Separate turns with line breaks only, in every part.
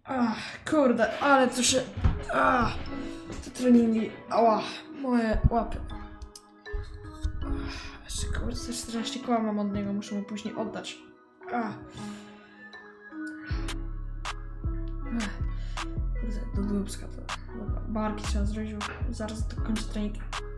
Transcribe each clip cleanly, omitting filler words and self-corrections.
Kurde, ale to się... te treningi, ała, moje łapy. Jeszcze kurde, 14 koła mam od niego, muszę mu później oddać. Kurde, do dubska to... Dobra, barki trzeba zrobić, bo zaraz dokończę trening.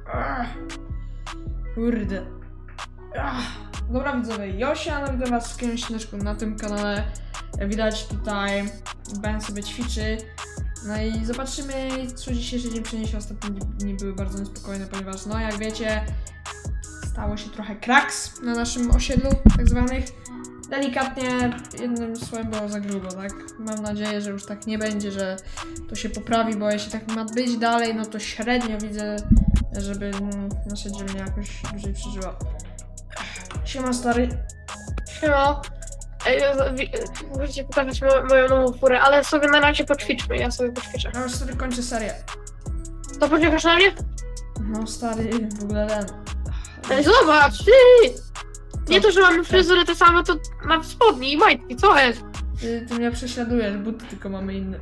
Kurde. Dobra widzowie, Josia, witam was w kolejnym odcinku na tym kanale. Widać tutaj, Ben sobie ćwiczy. No i zobaczymy, co dzisiejszy dzień przyniesie. Ostatnie dni były bardzo niespokojne, ponieważ no jak wiecie, stało się trochę kraks na naszym osiedlu, tak zwanych. Delikatnie, jednym słowem było za grubo, tak? Mam nadzieję, że już tak nie będzie, że to się poprawi, bo jeśli tak ma być dalej, no to średnio widzę, żeby nasza dzielnia jakoś dłużej przeżyła. Siema stary.
Siema. Możecie pokazać moją nową furę, ale sobie na razie poćwiczmy, ja sobie poćwiczę.
Ja już stary kończę serię.
To poczekasz na mnie?
No stary, w ogóle ten...
Ej, zobacz, ty! Nie to, że mamy fryzury te same, to na spodni i majtki, co jest?
Ty mnie prześladujesz, buty tylko mamy inne.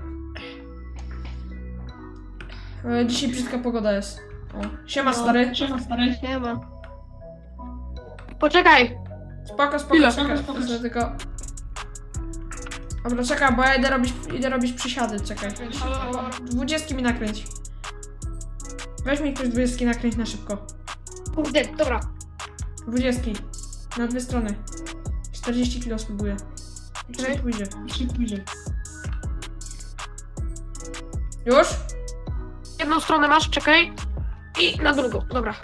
Dzisiaj brzydka pogoda jest. O. Siema stary.
Siema stary. Siema. Poczekaj.
Spoko,
Chwila.
czekaj. Tylko... Dobra, czekaj, bo ja idę robić przysiady, czekaj. 20 mi nakręć. Weź mi ktoś 20 nakręć na szybko.
Kurde, dobra.
20. Na dwie strony. 40 kilo spróbuję. Czy pójdzie? Już?
Jedną stronę masz, czekaj. I na drugą. Dobra.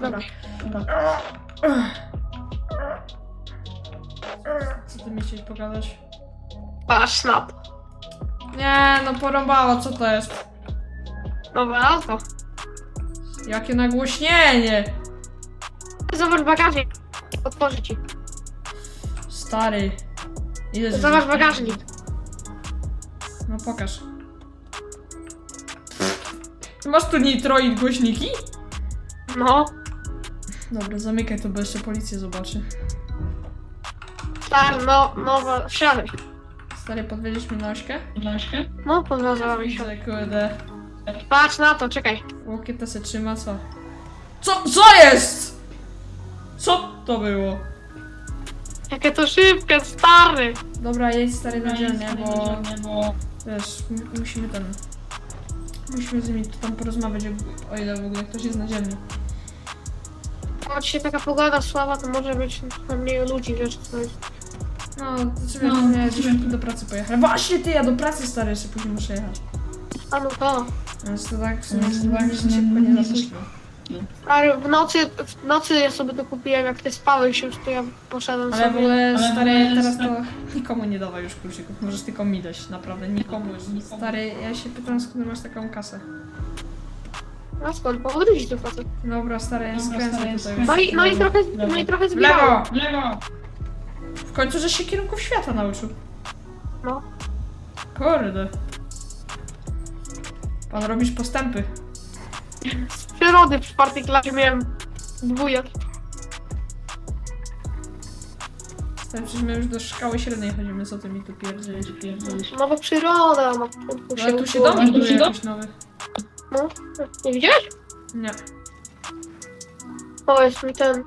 Co ty mi chciałeś pokazać?
Patrz, snap.
Nie, no porąbało, co to jest?
Dobra, to.
Jakie nagłośnienie!
Zobacz bagażnik. Otworzę ci.
Stary. Ile
Zobacz bagażnik.
No pokaż. Masz tu nitro i głośniki?
No.
Dobra, zamykaj to, bo jeszcze policja zobaczy.
Tak, no, wsiadaj.
Stary, podwiedziesz mnie na ośkę?
No, podwiązałam się.
Kurde.
Patrz na to, czekaj.
Łokieta se trzyma, co? Co jest? Co to było?
Jakie to szybkie, stary.
Dobra, jedź stary na dzielnię, bo... Wiesz, musimy z nimi tam porozmawiać, o ile w ogóle ktoś jest na dzielni.
O, dzisiaj taka pogoda słaba, to może być mniej ludzi, wiesz, coś.
No, to sobie do pracy pojechać. Właśnie ty, ja do pracy stary, jeszcze później muszę jechać.
A no to.
Więc to tak w sumie szybko nie za późno.
Ale w nocy ja sobie to kupiłem, jak ty spałeś już, to ja poszedłem
Ale w
sobie.
ogóle stary, teraz to nikomu nie dawaj już kluczyków, możesz tylko mi dać, naprawdę, nikomu już. Stary, ja się pytam, skąd masz taką kasę.
A skąd? Bo odwrócić to facet.
Dobra, stary, ja skręcę tutaj już.
No i trochę
W
zbierało.
lewo! W końcu, że się kierunków świata nauczył.
No.
Kurde. Pan robisz postępy.
Z przyrody w 4. klasie miałem dwójek.
Stary, przecież my już do szkoły średniej chodzimy, co ty mi tu pierdzielisz.
No bo przyroda, no.
Ale tu się dom buduje jakiś nowy.
No, nie widziałeś?
Nie.
O, jest mi ten...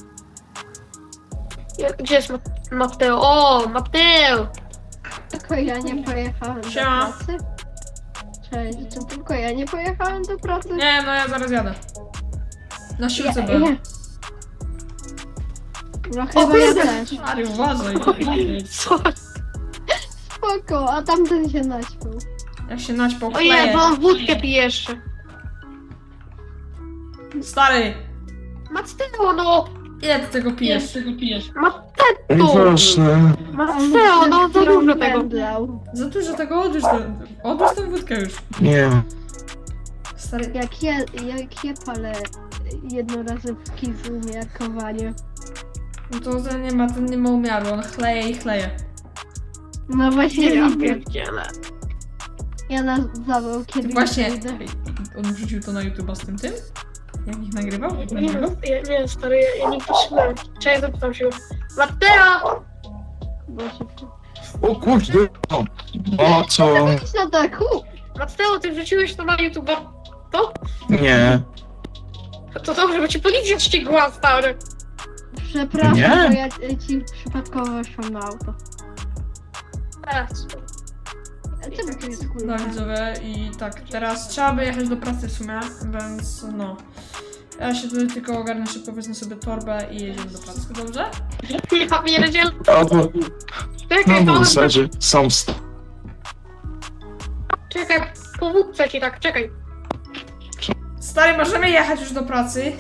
Gdzie jest Mateo? O, Mateo!
Tylko ja nie pojechałem
Siema.
do pracy. Cześć, to tylko ja nie pojechałem do pracy.
Nie, no ja zaraz jadę. Na siłce byłem.
No chyba ja też.
Stary, uważaj.
Co?
Spoko, a tamten się naćpał.
Jak się naćpał
Ojej,
chleje.
bo on wódkę pije jeszcze.
Stary,
Mateo, no!
ile ty tego pijesz?
Mateo! Mateo, no za dużo tego.
Pędlał.
Za dużo tego, odłóż tę wódkę już.
Nie.
Stary,
Jak ja palę jednorazowe w umiarkowanie.
no to ten nie ma umiaru, on chleje i chleje.
No właśnie,
Ja
widzę.
pierdzielę.
Ja na zawał kiedyś
Właśnie,
wyjdę.
on wrzucił to na YouTube'a z tym? Jak ich nagrywał?
Nie, stary, ja nie patrzyłem. Czekaj, zapytam się. Mateo!
Bo się...
O kurde! O co?
Idź na dachu!
Mateo, ty wrzuciłeś to na YouTube'a?
Nie.
To dobrze, bo cię policja ścigła, stary.
Przepraszam,
Nie.
bo ja ci przypadkowo weszłam na auto. A co tu jest kurwa?
No widzowie i tak, teraz trzeba by jechać do pracy w sumie, więc no. Ja się tutaj tylko ogarnę szybko, wezmę sobie torbę i jedziemy do pracy, dobrze?
Ja pierdziel.
Albo
Czekaj,
no w
Paweł,
zasadzie są
czekaj, powódcę ci tak, czekaj.
Stary, możemy jechać już do pracy?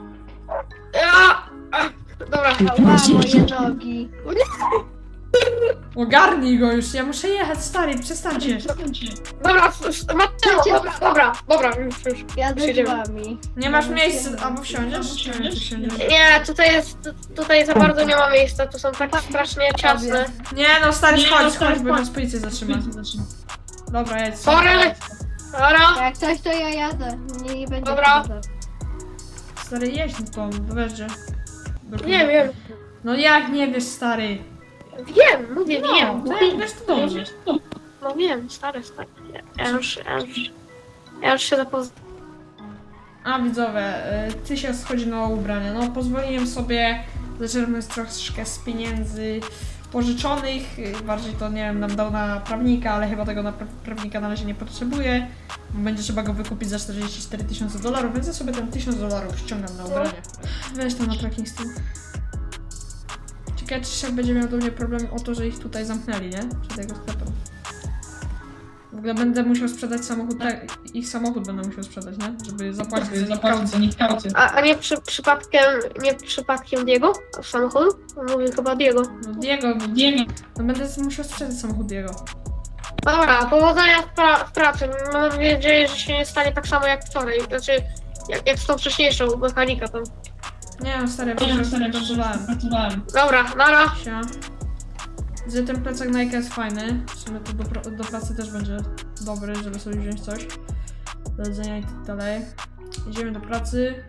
Dobra,
Ała, moje nogi.
Ogarnij go już, ja muszę jechać, stary, przestańcie.
dobra, Mateo, dobra, już.
Jadę
Przyjdziemy.
z wami.
Nie masz miejsca, albo wsiądziesz? Nie wiem, czy wsiądziesz.
Nie, tutaj za bardzo nie ma miejsca, tu są tak strasznie ciasne.
Nie no, stary, chodź, bo nas policja zatrzyma. Dobra, jedź.
Sorry. Dobra,
Jak coś, to ja jadę. Nie będzie
Dobra.
problemu.
Stary, jedź no to, weźcie.
nie wiem.
No jak nie wiesz, stary?
Wiem, mówię, wiem.
No jak wiesz, to dobrze.
No wiem, stary. Ja już się zapoznałem.
A widzowie, ty się schodzi na ubranie. No pozwoliłem sobie zaczerpnąć troszkę z pieniędzy pożyczonych. Bardziej to nie wiem, nam dał na prawnika, ale chyba tego na prawnika na razie nie potrzebuję. Będzie trzeba go wykupić za 44 000 dolarów, więc ja sobie ten 1000 dolarów ściągam na ubranie. Weź tam na tracking z tym. Ciekawe, czy szef będzie miał do mnie problem o to, że ich tutaj zamknęli, nie? Przed jego sklepem. W ogóle będę musiał sprzedać samochód, ich samochód będę musiał sprzedać, nie? Żeby zapłacić za nich kaucję.
A nie przypadkiem Diego? Samochodu? Mówię chyba Diego.
No Diego. No będę musiał sprzedać samochód Diego.
Dobra, powodzenia w pracy. Mam nadzieję, że się nie stanie tak samo jak wczoraj. Znaczy, jak z tą wcześniejszą mechanika tam.
Nie no, stary, ja pracowałem.
Dobra, nara.
Sia. Że ten plecak Nike jest fajny. W sumie to do pracy też będzie dobry, żeby sobie wziąć coś do jedzenia i tak dalej. Idziemy do pracy.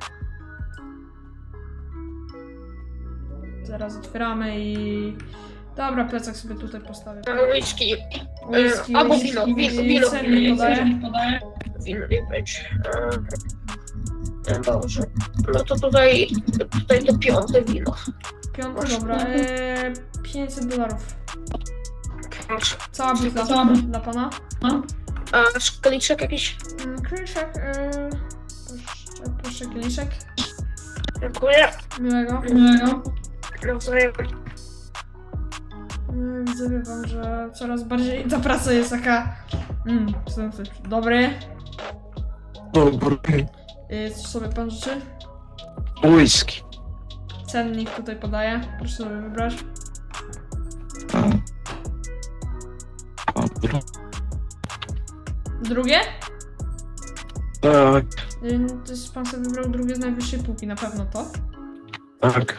Zaraz otwieramy i... Dobra, plecak sobie tutaj postawię.
Whisky.
Whisky,
Albo
whisky,
wino.
cennik podaję.
Wino nie być. Dobrze. No to tutaj to piąte wino.
Piąty, dobra. 500 dolarów.
Proszę.
Cała buta dla pana.
A szkaliczek jakiś?
Kieliszek, proszę kieliszek.
Dziękuję.
Miłego.
Nawzajem.
Widzę wam, że coraz bardziej ta praca jest taka... Dobry.
Dobry.
Coś sobie pan życzy?
Whisky.
Cennik tutaj podaję. Proszę sobie wybrać.
Dobra.
Drugie?
Tak,
To jest pan sobie wybrał drugie z najwyższej półki, na pewno to.
tak.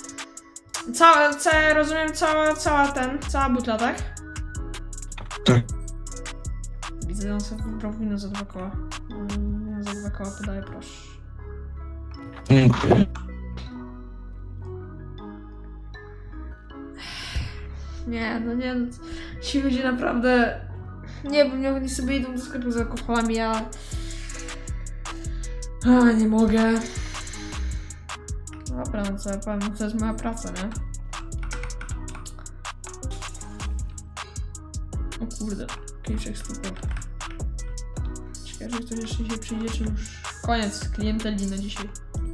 Rozumiem, cała butla, tak?
Tak.
Widzę, że on sobie wybrał wino za 2 koła. Wino za 2 koła podaję, proszę.
Dziękuję.
Nie, no ci ludzie naprawdę... Nie wiem, oni sobie idą do sklepu z alkoholami, nie mogę. Dobra, no co ja powiem, to jest moja praca, nie? O kurde, kieliszek stupów. Ciekawe, że ktoś jeszcze dzisiaj przyjdzie, czy już koniec klienteli na dzisiaj.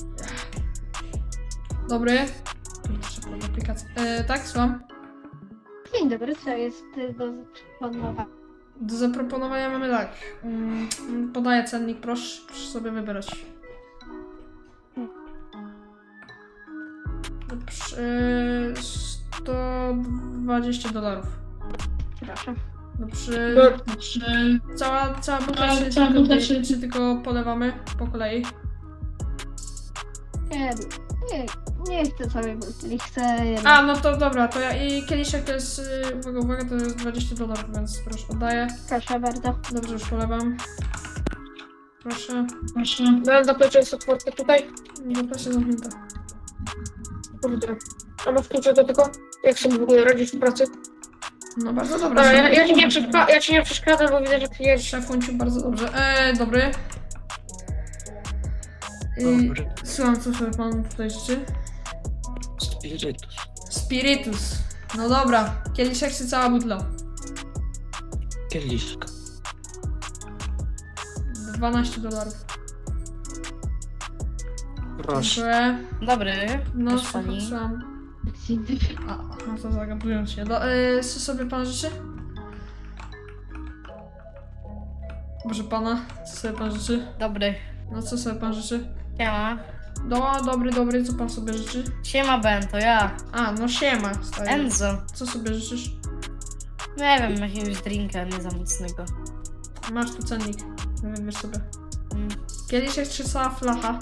Dobry. Proszę pod aplikację. Tak, słucham.
Dzień dobry, co jest do zaproponowania?
Do zaproponowania mamy tak. Podaję cennik, proszę sobie wybrać. $120.
Proszę.
Cała buta, czy tylko polewamy po kolei?
Nie chcę sobie butli, chcę jedno.
A, no to dobra, to i kieliszek to jest, uwaga, to jest $20, więc proszę, oddaję.
Proszę bardzo.
Dobrze, już polewam. Proszę.
Miałem zaplecze supportę tutaj.
Proszę zamknięte.
Kurde. A masz klucze do tego? Jak sobie w ogóle radzisz w pracy?
No bardzo dobra.
Dobra, ja ci nie przeszkadzam, bo widzę, że ty jedziesz.
Szefunciu, bardzo dobrze. Dobry.
Dobry.
Słucham, co sobie pan tutaj życzy?
Spirytus.
Spiritus. No dobra, kieliszek czy cała butla?
Kieliszka.
$12.
Proszę.
Dziękuję.
Dobry,
No,
proszę pani.
słucham. A to zagadując się. Co sobie pan życzy? Proszę pana, co sobie pan życzy?
Dobry.
No co sobie pan życzy?
Siema.
Dobry, co pan sobie życzy?
Siema Ben, to ja.
A, no siema, stary.
Enzo.
Co sobie życzysz?
Nie wiem, jakiegoś drinka nie za mocnego.
Masz tu cennik, wybierz sobie.
Mm.
Kieliszek czy cała flacha?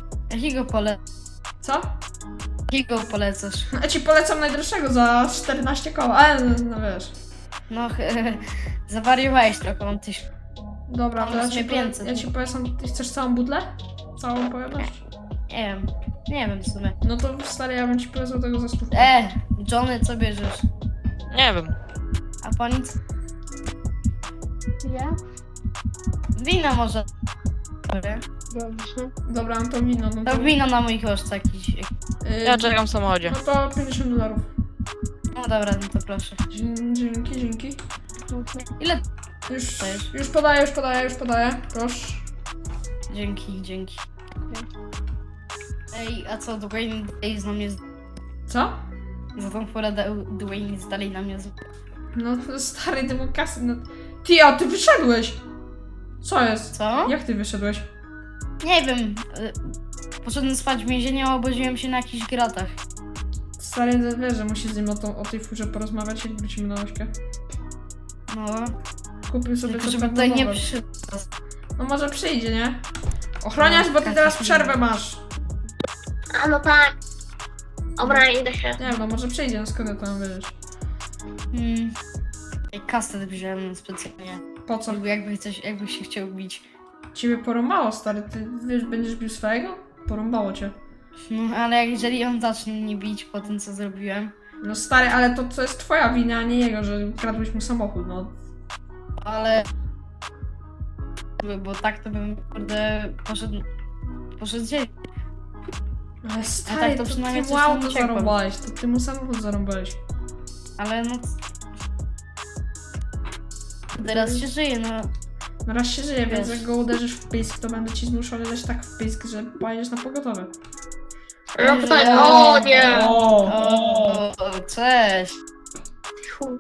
Co?
Jakiego polecasz?
Ja ci polecam najdroższego za 14 koła, ale no wiesz.
No, zawariowałeś trochę, mam tyś.
Dobra, to
Mam 500.
ja ci polecam, ty chcesz całą butlę? Całą pojemność?
Nie wiem w sumie.
No to stary, ja bym ci polecał tego za 100.
Johnny, co bierzesz?
Nie wiem.
A pani co?
Ja?
Wino może. Dobra.
Dobrze.
Dobra, no to wino, no
To
to...
wino na mój koszt jakiś.
Ja czekam w samochodzie.
No to $50.
No dobra, no to proszę.
Dzięki.
Ile?
Już podaję, proszę.
Dzięki. Ej, a co, Dwayne jest na mnie
Co?
za tą porę Dwayne jest dalej na mnie
No to stary, ty mu kasy, no... Ty, a ty wyszedłeś! Co jest?
Co?
Jak ty wyszedłeś?
Nie wiem. Poszedłem spać w więzieniu, a obudziłem się na jakichś gratach.
Stary, wiesz, że musisz z nim o tej furze porozmawiać, jak wrócimy na ośkę.
No,
Kupił sobie
tylko
coś
żeby tutaj nie
nowego.
przyszedł.
No może przyjdzie, nie? Ochroniarz, bo ty teraz przerwę masz.
A no tak. Dobra, idę się.
Nie wiem, no może przyjdzie, no skąd ja to mam wiedzieć?
Kastet wziąłem specjalnie.
Po co?
Jakby się chciał bić.
Ciebie porąbało, stary, ty wiesz, będziesz bił swojego? Porąbało cię.
No, ale jeżeli on zacznie mnie bić po tym, co zrobiłem,
No stary, ale to jest twoja wina, a nie jego, że kradłeś mu samochód, no.
ale... Bo tak to bym, kurde, poszedł dzień.
Ale stary,
tak to
to
przynajmniej
ty
coś
mu
tam
auto
uciekłem.
zarąbałeś, to ty mu samochód zarąbałeś.
Ale no... Teraz się żyje, no.
No raz się żyje, więc
Wiesz.
jak go uderzysz w pysk, to będę ci zmuszony dać tak w pysk, że pojedziesz na pogotowe.
No tutaj, o nie!
O, cześć.
Fu.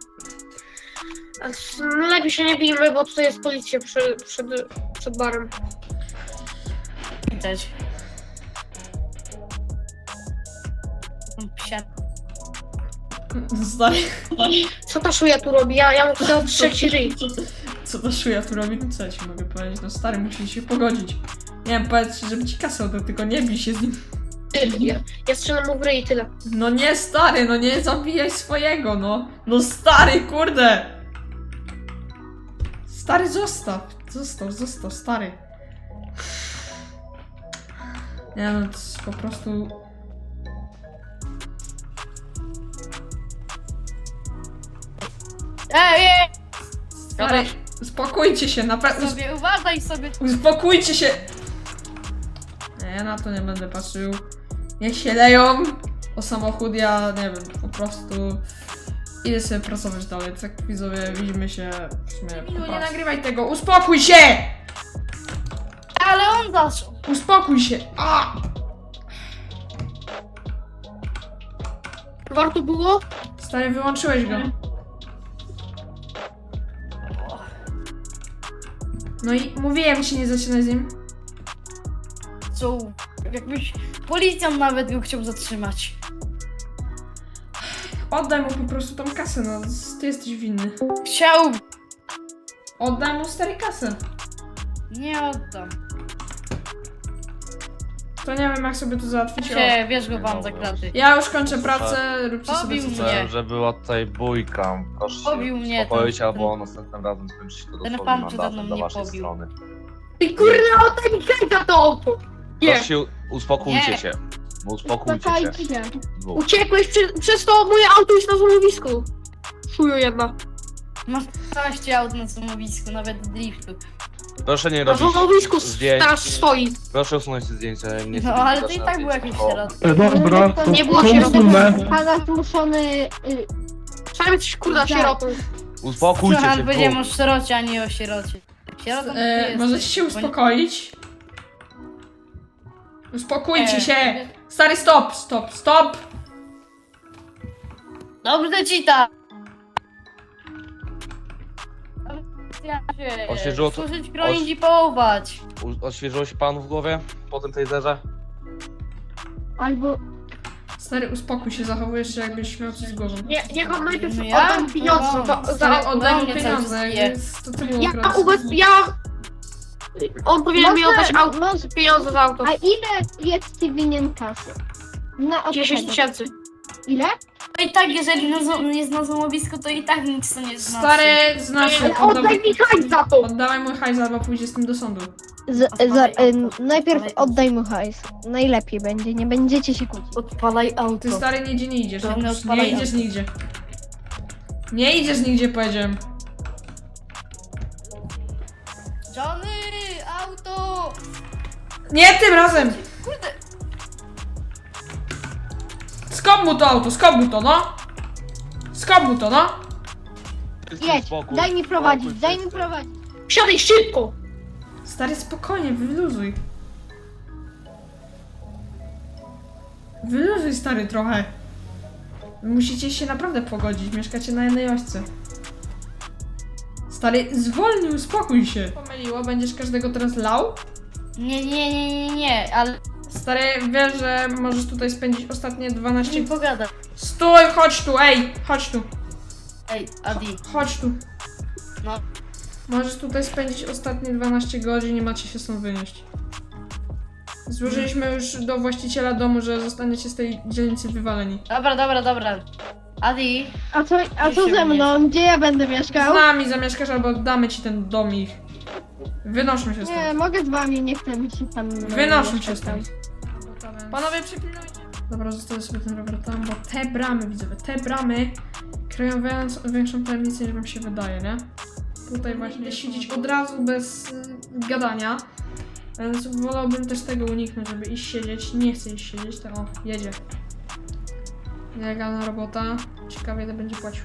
No lepiej się nie bijmy, bo tutaj jest policja przed barem.
Widać. Psia.
Stary,
Co ta szuja tu robi? Ja mu chcę odstrzeć ryj.
co ta szuja tu robi? No co ja ci mogę powiedzieć? No stary, musisz się pogodzić. Nie wiem, powiedz, żeby ci kasę oddał, tylko nie bij się z nim.
Ja strzelam mu w ryj i tyle.
No nie, stary, no nie zabijaj swojego, no. No stary, kurde! Stary, zostaw, stary. Nie no, to jest po prostu...
Ej!
Stary, uspokójcie się, naprawdę,
Sobie uważaj sobie.
uspokójcie się! Nie, ja na to nie będę patrzył. Niech się leją o samochód, ja nie wiem, po prostu idę sobie pracować dalej. Tak widzowie, widzimy się w sumie po
Nie
pracy. Nie nagrywaj tego, uspokój się!
Ale on zaczął.
Uspokój się! A!
Warto było?
Stary, wyłączyłeś go. No i mówiłem ci, nie zaczynaj z nim.
Co? Jakbyś policjant nawet go chciał zatrzymać.
Oddaj mu po prostu tą kasę, no ty jesteś winny.
Chciał.
Oddaj mu stary kasę.
Nie oddam.
To nie wiem jak sobie to załatwić. O.
Bierz go pan za kraty.
Ja już kończę pracę, róbcie sobie
Pobił
co chcecie.
mnie.
Słyszałem, że była tutaj bójka. Proszę
Pobił
się
mnie
uspokoić,
ten-
albo następnym razem skończy się to
ten
dosłownie
pan przede mną
mandatem dla
mnie
waszej
pobił.
strony.
Ty kurna, oddaj mi hejta to auto! Nie,
Proszę się, uspokójcie
Nie.
się. Uspokójcie się.
Uspokójcie się.
Dwóch.
uciekłeś, przez to moje auto jest na złomowisku. Chuju jedna.
Masz 12 aut na samowisku, nawet driftu.
Proszę nie
Na
robić
złomowisku
zdjęć.
teraz swoi.
Proszę usunąć te zdjęcia. Nie
No
chcę
ale
być
to i
na
tak był
zdjęciach.
jakiś
O,
środek.
Dobra, to
Nie było
to
sieroty.
Pana zmuszony...
Trzeba mieć kurda
Tak.
sierotą.
Uspokójcie
Słuchaj,
się,
powiedziałem o sierocie, a nie o sierocie. Sierotą to ty jesteś,
Możecie się
bo nie-
uspokoić? Uspokójcie się!
Nie.
Stary, stop, stop, stop!
Dobrze ci tak!
Oświeżyło to-
Służyć, chronić i połować.
Odświeżyło się panu w głowie po tym taserze?
Albo...
Stary, uspokój się, zachowujesz się jakbyś miał coś z głową.
Niech on najpierw
No ja?
odda mi pieniądze
No,
Stary,
za...
oddaj mu
mnie
pieniądze,
cały czas
więc to ty było
Ja
ukradł.
On powinien mi oddać auto,
może...
pieniądze za auto.
A ile jest ci winien kasy? Na
10
odsetek.
tysięcy.
Ile?
No i tak, jeżeli jest na złomowisku, to i tak nic to nie znaczy.
Stary, znasz,
Ale oddaj mi hajs za to!
oddawaj mój hajs, albo pójdzie z tym do sądu.
Najpierw oddaj mu hajs. Najlepiej będzie, nie będziecie się kłócić.
Odpalaj auto.
Ty stary nigdzie nie idziesz,
To
nie,
nie odpalaj
nie idziesz
auto.
nigdzie. Nie idziesz nigdzie, powiedziałem.
Johnny, auto!
Nie tym razem!
Kurde,
Skop mu to auto, skop mu to, no! Skop mu to, no!
Jedź,
Spokój.
daj mi prowadzić,
Spokój,
daj mi
wszyscy.
prowadzić.
Wsiadaj szybko!
Stary, spokojnie, wyluzuj. Wyluzuj, stary, trochę. Musicie się naprawdę pogodzić, mieszkacie na jednej ośce. Stary, zwolnij, uspokój się. Pomyliło, będziesz każdego teraz lał?
nie, ale
Stary, wiesz, że możesz tutaj spędzić ostatnie 12...
nie pogadam.
Stój, chodź tu, ej, chodź tu,
Ej, Adi,
chodź tu.
no.
Możesz tutaj spędzić ostatnie 12 godzin, nie macie się stąd wynieść. Złożyliśmy już do właściciela domu, że zostaniecie z tej dzielnicy wywaleni.
Dobra. Adi,
A co ze mną? Gdzie ja będę
Z
mieszkał?
nami zamieszkasz albo damy ci ten dom ich. Wynoszą się
Nie,
stąd.
mogę z wami, nie chcę mi się tam...
Wynoszą
mieszkać
się
tam.
stąd. Panowie, przypilnujcie. Dobra, zostawię sobie ten rower tam, bo te bramy, widzowie, te bramy kryją większą tajemnicę niż wam się wydaje, nie? Tutaj właśnie siedzieć od razu bez gadania. Więc wolałbym też tego uniknąć, żeby iść siedzieć. Nie chcę iść siedzieć, to o, jedzie. Nielegalna robota. Ciekawie, ile będzie płacił.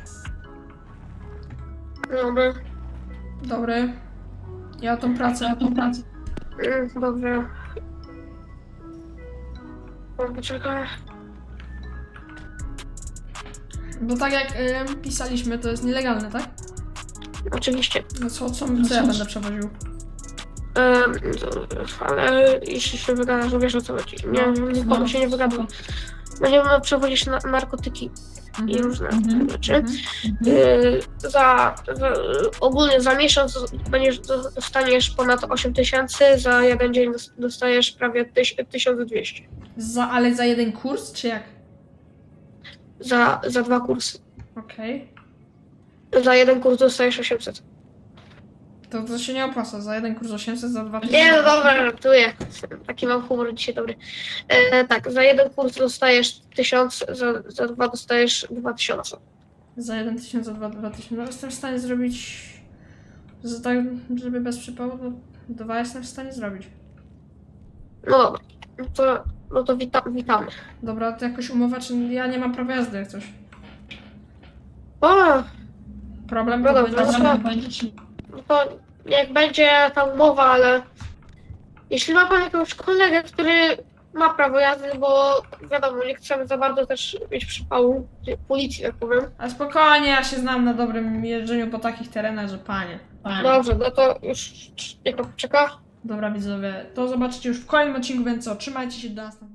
Dobra.
Dobry. Ja tą pracę.
Dobrze. Poczekaj.
Bo tak jak pisaliśmy, to jest nielegalne, tak?
Oczywiście.
No co ja będę przewoził?
Ale jeśli się wygadasz, to wiesz o co chodzi. Nikomu się nie wygadam. Będziemy przewozić narkotyki i różne rzeczy. Ogólnie za miesiąc dostaniesz ponad 8 tysięcy, za jeden dzień dostajesz prawie 1200.
Ale za jeden kurs, czy jak?
Za 2 kursy.
Okej.
Za jeden kurs dostajesz 800.
To się nie opłaca. Za jeden kurs 800, za 2000.
Nie, no dobra, żartuję. Taki mam humor dzisiaj dobry. Tak, za jeden kurs dostajesz 1000, za 2 dostajesz 2000.
Za 1000, za 2000. No jestem w stanie zrobić... tak, żeby bez przypału, to 2 jestem w stanie zrobić.
No dobra, no to witamy.
Dobra, to jakoś umowa, czy ja nie mam prawa jazdy jak coś.
O,
Problem
no
to
dobra,
będzie...
no to jak będzie ta umowa, ale jeśli ma pan jakiegoś kolegę, który ma prawo jazdy, bo wiadomo, nie chcemy za bardzo też mieć przypału policji, tak powiem.
A spokojnie, ja się znam na dobrym jeżdżeniu po takich terenach, że panie.
Dobrze, no to już niech pan poczeka.
Dobra widzowie, to zobaczycie już w kolejnym odcinku, więc co, trzymajcie się do następnego.